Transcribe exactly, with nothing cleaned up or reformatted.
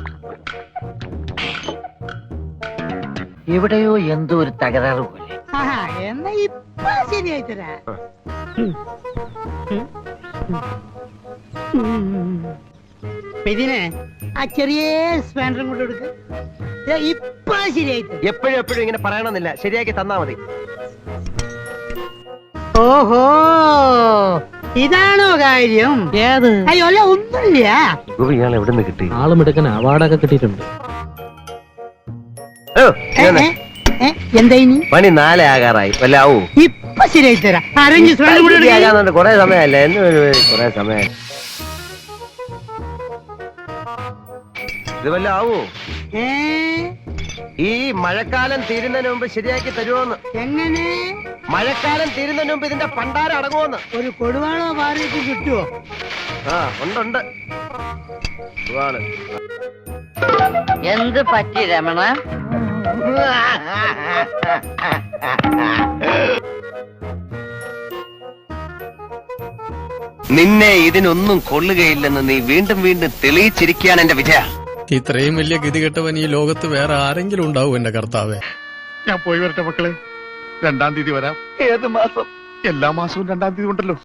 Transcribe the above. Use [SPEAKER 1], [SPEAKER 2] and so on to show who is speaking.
[SPEAKER 1] എവിടെയോ എന്തോ ഒരു തകരാറ് പോലെ.
[SPEAKER 2] എന്നാ ഇപ്പൊ ശരിയായി തരാ. ഇതിനെ ആ ചെറിയ സ്പാൻഡറും കൊണ്ട് എടുക്ക. ഇപ്പൊ ശരിയായി തരാം.
[SPEAKER 3] എപ്പോഴും എപ്പോഴും ഇങ്ങനെ പറയണമെന്നില്ല, ശരിയാക്കി തന്നാ മതി.
[SPEAKER 2] ഓഹോ, ഇതാണോ കാര്യം?
[SPEAKER 1] ഏത്?
[SPEAKER 2] അയ്യോ അല്ല, ഒന്നുമില്ല.
[SPEAKER 3] ഇയാൾ എവിടെ നിന്ന് കിട്ടി?
[SPEAKER 1] ആളും എടുക്കാൻ അവാർഡൊക്കെ കിട്ടിയിട്ടുണ്ട്.
[SPEAKER 2] എന്താ ഇനി?
[SPEAKER 3] പണി നാലേ ആകാറായി, വല്ല ആവൂ?
[SPEAKER 2] ഇപ്പൊ ശരിയായി തരാം. അരഞ്ച് സ്പാൻഡറും കൂടെ എടുക്കാം.
[SPEAKER 3] കൊറേ സമയമല്ലേ, എന്ന് കൊറേ സമയം. ഇത് വല്ല ആവൂ? ഈ മഴക്കാലം തീരുന്നതിന് മുമ്പ് ശരിയാക്കി തരുമോന്ന്?
[SPEAKER 2] എങ്ങനെ?
[SPEAKER 3] മഴക്കാലം തീരുന്നതിന് മുമ്പ് ഇതിന്റെ പണ്ടാരം അടങ്ങുമെന്ന്.
[SPEAKER 2] ഒരു കൊടുവാളോ പാറയൊക്കെ കിട്ടുവോ?
[SPEAKER 3] ആ ഉണ്ട്.
[SPEAKER 1] എന്ത് പറ്റി രമണ?
[SPEAKER 3] നിന്നെ ഇതിനൊന്നും കൊള്ളുകയില്ലെന്ന് നീ വീണ്ടും വീണ്ടും തെളിയിച്ചിരിക്കുകയാണ് എന്റെ വിജയ.
[SPEAKER 4] ഇത്രയും വലിയ ഗതികെട്ടവൻ ഈ ലോകത്ത് വേറെ ആരെങ്കിലും ഉണ്ടാവും എന്റെ കർത്താവേ.
[SPEAKER 5] ഞാൻ പോയി വരട്ടെ മക്കളെ. രണ്ടാം തീയതി വരാം.
[SPEAKER 3] ഏത് മാസം?
[SPEAKER 5] എല്ലാ മാസവും രണ്ടാം തീയതി ഉണ്ടല്ലോ.